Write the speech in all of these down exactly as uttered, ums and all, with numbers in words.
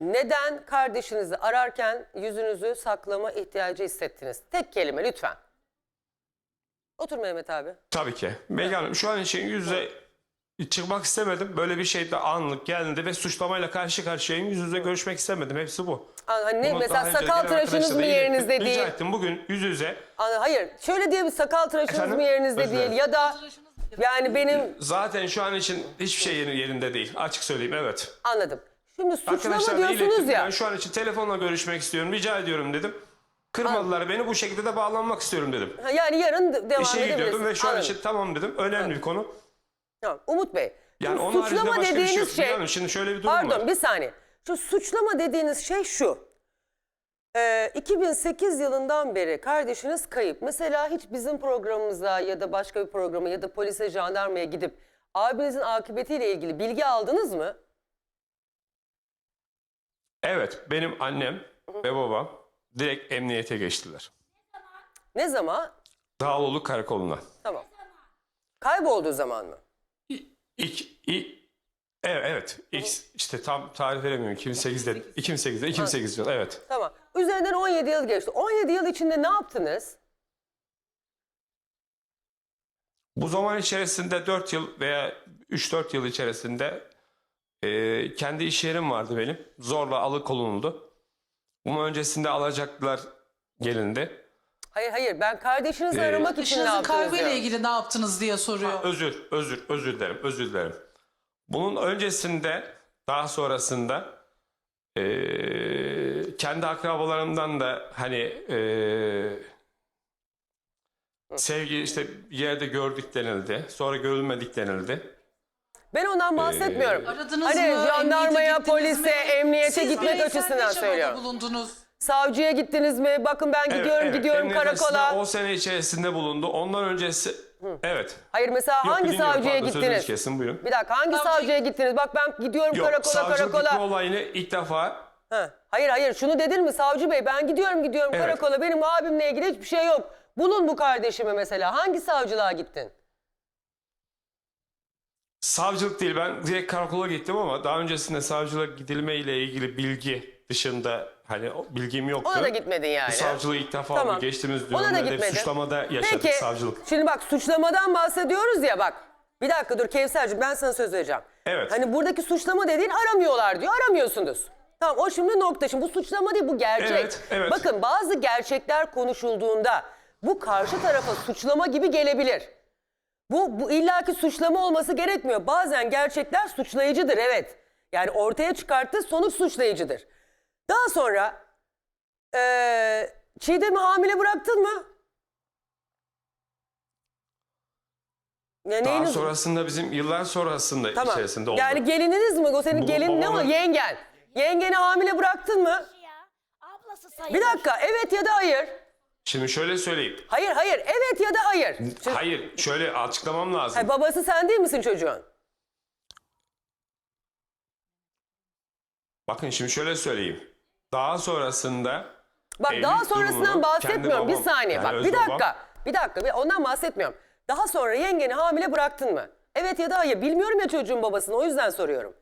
neden kardeşinizi ararken yüzünüzü saklama ihtiyacı hissettiniz? Tek kelime lütfen. Otur Mehmet abi. Tabii ki. Melih Hanım şu an için yüzde çıkmak istemedim. Böyle bir şey de anlık geldi ve suçlamayla karşı karşıyayım. Yüz yüze görüşmek istemedim. Hepsi bu. Hani ne, Bunu mesela daha önce sakal gelen tıraşınız arkadaşlarla mı ilettim. yerinizde Rica değil? ettim bugün yüz yüze. Hani hayır şöyle diye bir sakal tıraşınız Efendim? mı yerinizde Özür değil dilerim. ya da yani benim Zaten şu an için hiçbir şey yeri- yerinde değil. Açık söyleyeyim, evet. anladım. Şimdi suçlama Arkadaşlarla diyorsunuz ilettim. ya. Ben şu an için telefonla görüşmek istiyorum. Rica ediyorum dedim. Kırmadılar beni. Bu şekilde de bağlanmak istiyorum dedim. Ha, Yani yarın de- devam İşe edebilirsiniz. gidiyordum ve şu an Anladım. için tamam dedim. Önemli bir konu. Tamam. Umut Bey. Yani şu onun haricinde suçlama başka bir şey yok. dediğiniz şey. Melih Hanım, şimdi şöyle bir durum Pardon var. bir saniye. Şu suçlama dediğiniz şey şu. Ee, iki bin sekiz yılından beri kardeşiniz kayıp. Mesela hiç bizim programımıza ya da başka bir programa ya da polise, jandarmaya gidip abinizin akıbetiyle ilgili bilgi aldınız mı? Evet, benim annem ve babam direkt emniyete geçtiler. Ne zaman? Dağlıoğlu Karakolu'na. Tamam. Kaybolduğu zaman mı? İlk, ilk, evet, evet. İlk, işte tam tarih veremiyorum. iki bin sekizde, iki bin sekizde, iki bin sekiz yıl, evet. Tamam. Üzerinden on yedi yıl geçti. on yedi yıl içinde ne yaptınız? Bu zaman içerisinde dört yıl veya üç dört yıl içerisinde e, kendi iş yerim vardı benim. Zorla alıkonuldu. Bunun öncesinde alacaklar gelindi. Hayır hayır ben kardeşinizi Ee, aramak için ne Eşinizin yaptınız kaybıyla diyor. ilgili ne yaptınız diye soruyor. Özür, özür, özür dilerim, özür dilerim. Bunun öncesinde, daha sonrasında eee, kendi akrabalarımdan da hani eee, sevgi işte bir yerde gördük denildi. Sonra görülmedik denildi. Ben ondan bahsetmiyorum. Aradınız Hani mı? jandarmaya, Emniyete gittiniz polise, mi? emniyete Siz gitmek bireysel açısından yaşamada söylüyorum. bulundunuz. Savcıya gittiniz mi? Bakın ben gidiyorum gidiyorum emniyet karakola. açısından O sene içerisinde bulundu. Ondan öncesi, evet. Hayır mesela Yok, hangi bilmiyorum, savcıya pardon, sözünüzü gittiniz? kesin, buyurun. Bir dakika hangi Savcı- savcıya gittiniz? Bak ben gidiyorum Yok, karakola savcılık gitme karakola. olayını ilk defa Ha. Hayır hayır şunu dedin mi savcı bey ben gidiyorum gidiyorum Evet. karakola benim abimle ilgili hiçbir şey yok. Bulun bu kardeşimi mesela. Hangi savcılığa gittin? savcılık değil, ben direkt karakola gittim ama daha öncesinde savcılığa gidilme ile ilgili bilgi dışında hani o bilgim yoktu. Ona da gitmedin yani. Bu savcılığı ilk defa Tamam. bu geçtiğimiz Ona da dönemlerde gitmedin. suçlamada yaşadık Peki, savcılık. şimdi bak suçlamadan bahsediyoruz ya bak. Bir dakika dur Kevser'cim ben sana söz vereceğim. Evet. Hani buradaki suçlama dediğin aramıyorlar diyor. Aramıyorsunuz. Tamam o şimdi nokta. Şimdi bu suçlama değil bu gerçek. Evet, evet. Bakın bazı gerçekler konuşulduğunda bu karşı tarafa suçlama gibi gelebilir. Bu, bu illaki suçlama olması gerekmiyor. Bazen gerçekler suçlayıcıdır evet. Yani ortaya çıkarttığı sonuç suçlayıcıdır. Daha sonra eee Çiğdem'i hamile bıraktın mı? Ya Daha neyiniz- sonrasında bizim yıllar sonrasında Tamam. içerisinde oldu. Yani gelininiz mi? O senin Bu gelin ne o? babamın- Yengen. Yengeni hamile bıraktın mı? Ya, ablası sayılır. Bir dakika evet ya da hayır. Şimdi şöyle söyleyeyim. Hayır hayır evet ya da hayır. Şimdi, Hayır, şöyle açıklamam lazım. Hayır, babası sen değil misin çocuğun? Bakın şimdi şöyle söyleyeyim. Daha sonrasında Bak evlilik daha sonrasından durumunu bahsetmiyorum. kendi Bir babam, saniye yani bak öz bir babam- dakika. Bir dakika bir- ondan bahsetmiyorum. Daha sonra yengeni hamile bıraktın mı? Evet ya da hayır. Bilmiyorum ya çocuğun babasını o yüzden soruyorum.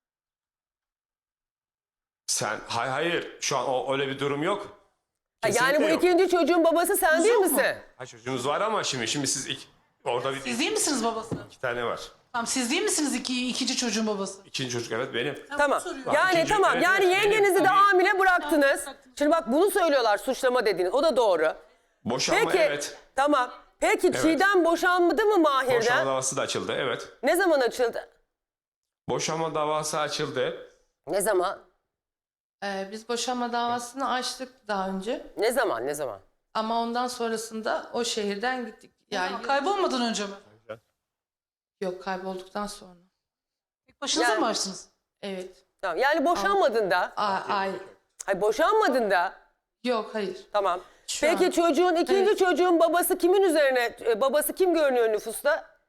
Sen hay hayır şu an o öyle bir durum yok. Ha, yani Kesinlikle bu yok. ikinci çocuğun babası sen değil yok mu? misin? Ha, çocuğumuz var ama şimdi şimdi siz ilk, orada bir Siz değil misiniz babası? iki tane var. Tamam siz değil misiniz iki, ikinci çocuğun babası? İkinci çocuk evet benim. Tamam. soruyorum. Yani İkinci- tamam. evet, yani evet, yengenizi benim. de hamile bıraktınız. Şimdi bak bunu söylüyorlar suçlama dediğiniz. O da doğru. Boşanma Peki. evet. Tamam. Peki Çiğdem boşanmadı mı Mahir'den? Boşanma davası da açıldı evet. Ne zaman açıldı? Boşanma davası açıldı. Ne zaman? Ee, biz boşanma davasını açtık daha önce. Ne zaman? Ne zaman? Ama ondan sonrasında o şehirden gittik. Yani Kaybolmadan önce mi? yok kaybolduktan sonra. Tek başınıza Yani- mı açtınız? Evet. Tamam. Yani boşanmadın da. A ay Hayır boşanmadın da. yok hayır. Tamam. Şu Peki an- çocuğun ikinci Evet. çocuğun babası kimin üzerine? e, Babası kim görünüyor nüfusta?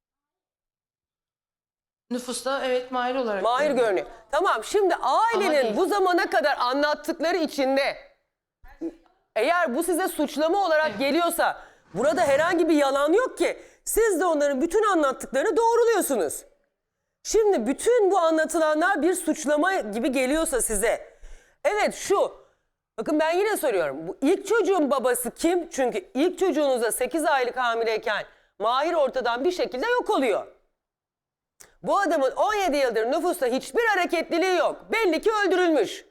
Nüfusta evet Mahir olarak. Mahir görünüyor. görünüyor. Tamam şimdi ailenin değil. bu zamana kadar anlattıkları içinde eğer bu size suçlama olarak geliyorsa burada herhangi bir yalan yok ki. Siz de onların bütün anlattıklarını doğruluyorsunuz. Şimdi bütün bu anlatılanlar bir suçlama gibi geliyorsa size. Evet şu. Bakın ben yine soruyorum. Bu ilk çocuğun babası kim? Çünkü ilk çocuğunuza sekiz aylık hamileyken Mahir ortadan bir şekilde yok oluyor. Bu adamın on yedi yıldır nüfusta hiçbir hareketliliği yok. Belli ki öldürülmüş.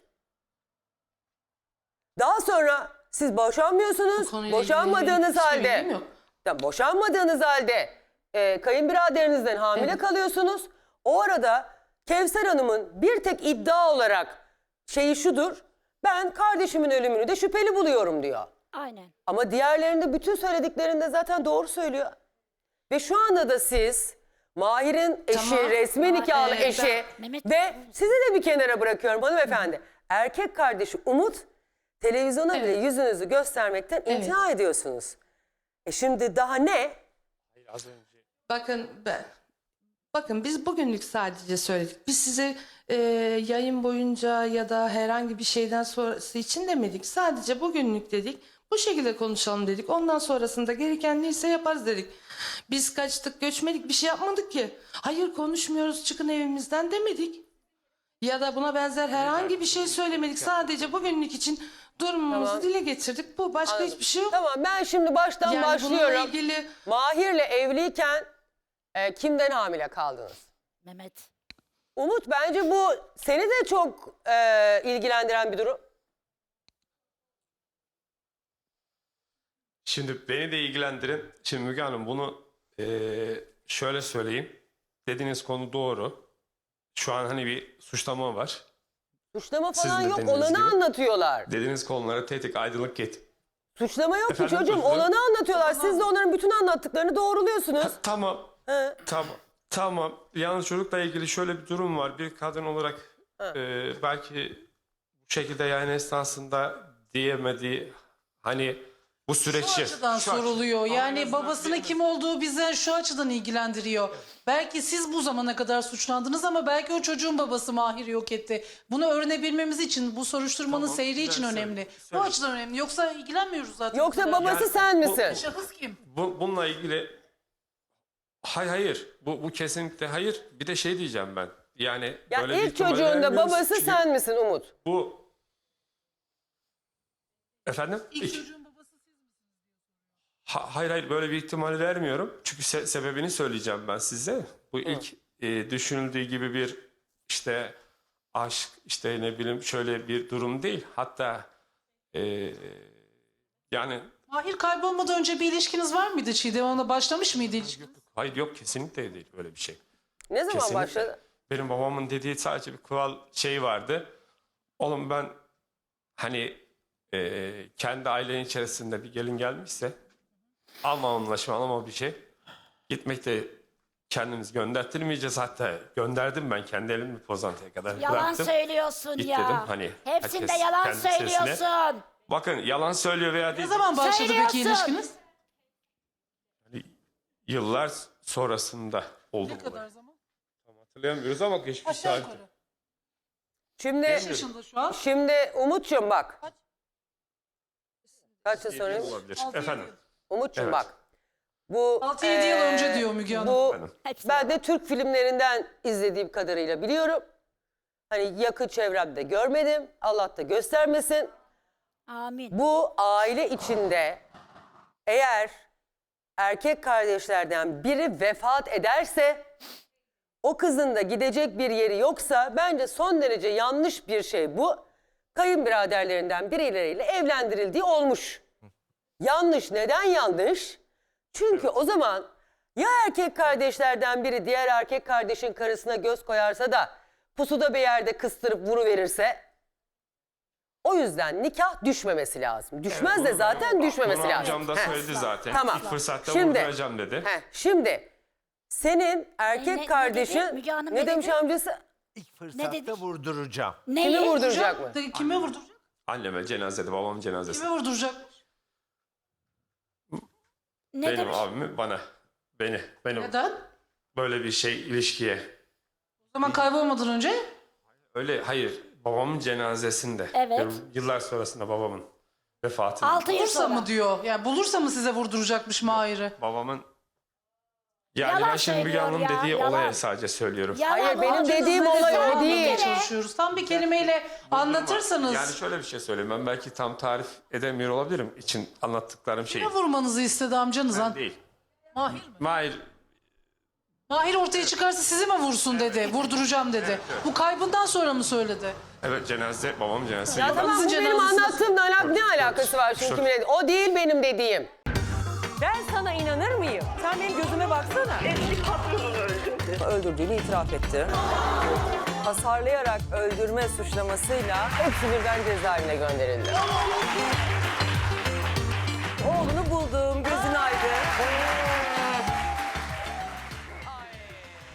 Daha sonra siz Bu boşanmıyorsunuz. konuyla ilgili Boşanmadığınız hiçbir halde. bilgim yok. Ya boşanmadığınız halde e, kayınbiraderinizden hamile Evet. kalıyorsunuz. O arada Kevser Hanım'ın bir tek iddia olarak şeyi şudur. Ben kardeşimin ölümünü de şüpheli buluyorum diyor. Aynen. Ama diğerlerinde bütün söylediklerinde zaten doğru söylüyor. Ve şu anda da siz Mahir'in eşi, Tamam. resmi nikahlı Ee, ben- eşi Mehmet- ve sizi de bir kenara bırakıyorum hanımefendi. Erkek kardeşi Umut televizyona bile Evet. yüzünüzü göstermekten Evet. imtina ediyorsunuz. E şimdi daha ne? Bakın ben, bakın biz bugünlük sadece söyledik. Biz size e, yayın boyunca ya da herhangi bir şeyden sonrası için demedik. Sadece bugünlük dedik. Bu şekilde konuşalım dedik. Ondan sonrasında gereken neyse yaparız dedik. Biz kaçtık, göçmedik, bir şey yapmadık ki. Hayır konuşmuyoruz, çıkın evimizden demedik. Ya da buna benzer herhangi bir şey söylemedik. Sadece bugünlük için durumumuzu Tamam. dile getirdik. Bu başka Anladım. hiçbir şey yok. Tamam ben şimdi baştan Yani bununla başlıyorum. ilgili Mahir'le evliyken e, kimden hamile kaldınız? Mehmet. Umut bence bu seni de çok e, ilgilendiren bir durum. Şimdi beni de ilgilendirin. Şimdi Müge Hanım bunu eee, şöyle söyleyeyim. Dediğiniz konu doğru. Şu an hani bir suçlama var. Suçlama Sizin falan de yok. dediğiniz Olanı gibi. anlatıyorlar. Dediğiniz konulara tetik aydınlık get. Suçlama yok Efendim, ki çocuğum. özür dilerim. Olanı anlatıyorlar. Siz de onların bütün anlattıklarını doğruluyorsunuz. Tamam. He. Tamam. Tamam. Yalnız çocukla ilgili şöyle bir durum var. Bir kadın olarak eee, belki bu şekilde yayın esnasında diyemediği hani bu süreçi. Şu açıdan Şu aç- soruluyor. Ama en Yani azından babasının diyelim- kim olduğu bize şu açıdan ilgilendiriyor. Belki siz bu zamana kadar suçlandınız ama belki o çocuğun babası Mahir yok etti. Bunu öğrenebilmemiz için, bu soruşturmanın Tamam, seyri için güzel, önemli. söyle, Bu söyle. açıdan önemli. Yoksa ilgilenmiyoruz zaten. Yoksa bu kadar. babası Yani sen bu- misin? Şahıs kim? Bu, bununla ilgili hayır hayır bu, bu kesinlikle hayır. Bir de şey diyeceğim ben. Yani Ya böyle bir ilk ihtimal çocuğun da vermiyoruz. babası Çünkü sen misin Umut? Bu efendim? İlk İlk- çocuğun babası siz misiniz? Ha- hayır hayır böyle bir ihtimal vermiyorum. Çünkü se- sebebini söyleyeceğim ben size. Bu ilk e, düşünüldüğü gibi bir işte aşk işte ne bileyim şöyle bir durum değil. Hatta e, yani Mahir kaybolmadan önce bir ilişkiniz var mıydı Çiğdem Hanım'la? Başlamış mıydı ilişkiniz? hayır yok kesinlikle değil öyle bir şey. Ne zaman Kesinlikle. başladı? Benim babamın dediği sadece bir kural şey vardı. Oğlum ben hani e, kendi ailenin içerisinde bir gelin gelmişse alma anlaşma alma bir şey. Gitmek de kendimiz gönderttirmeyeceğiz. Hatta gönderdim ben kendi elimi Pozantı'ya kadar Yalan bıraktım. söylüyorsun Git ya. dedim, hani Hepsinde herkes yalan kendi sesine. söylüyorsun. Bakın yalan söylüyor veya Ne değil. zaman başladı peki Söylüyorsun. ilişkiniz? Yıllar sonrasında oldu Ne bu kadar olay. zaman? Hatırlayamıyoruz ama geçmiş Aşağı tarihte. yukarı. Şimdi Kaç yaşında şu an? şimdi Umut'cum bak. Kaç? Kaç yıl sorayım? Olabilir. Altı, yedi Efendim. yıl. Umut'cum Evet. bak. Bu Altı yedi yıl eee, önce diyor Müge Hanım. Bu Efendim. Hepsi ben de Türk filmlerinden izlediğim kadarıyla biliyorum. Hani yakın çevremde görmedim. Allah da göstermesin. Amin. Bu aile içinde eğer erkek kardeşlerden biri vefat ederse o kızın da gidecek bir yeri yoksa bence son derece yanlış bir şey bu. Kayınbiraderlerinden birileriyle evlendirildiği olmuş. Yanlış. Neden yanlış? Çünkü o zaman ya erkek kardeşlerden biri diğer erkek kardeşin karısına göz koyarsa da pusuda bir yerde kıstırıp vuruverirse o yüzden nikah düşmemesi lazım. Düşmez de zaten düşmemesi Bunu lazım. amcam da Heh. söyledi zaten. Tamam. İlk fırsatta Şimdi- vurduracağım dedi. Heh, şimdi senin erkek Ne- ne dedi? kardeşin Müge Hanım ne, ne demiş dedi? amcası? İlk fırsatta dedik? vurduracağım. Kimi Neyi? vurduracak mı? De- Kime vurduracak? Anneme cenazede, babamın cenazesi. Kime vurduracak? Ne Benim demiş? abimi bana. Beni. Benim Neden? böyle bir şey ilişkiye. O zaman kaybolmadan önce Öyle hayır. Babamın cenazesinde. Evet. Diyorum, yıllar sonrasında babamın vefatında. Altı yıl bulursa sonra. mı diyor? Yani bulursa mı size vurduracakmış Mahir'i? Babamın Yani Yalan ben şimdi Müge söylüyor Hanım'ın ya, dediği yalan. olaya sadece söylüyorum. Yalan Hayır, benim oldu. dediğim Biz olay o anlamaya değil. çalışıyoruz. Tam bir kelimeyle anlatırsanız. Yani şöyle bir şey söyleyeyim. Ben belki tam tarif edemiyor olabilirim için anlattıklarım şeyi. Ne vurmanızı istedi amcanız? Ben ha? değil. Mahir mi? Mahir Mahir ortaya çıkarsa sizi mi vursun dedi. Vurduracağım dedi. Bu kaybından sonra mı söyledi? evet cenaze babam cenazesi. Ya gibi. tamam, bu Babanızın benim cenazesi- anlattığımla alak ne alakası var şimdi Şu- kimin dediği? O değil benim dediğim. Ben sana inanır mıyım? Sen benim gözüme baksana. Eski patronunu öldürdü. Öldürdüğünü itiraf etti. Hasarlayarak öldürme suçlamasıyla hepsi birden cezaevine gönderildi. Oğlunu buldum, gözün aydın.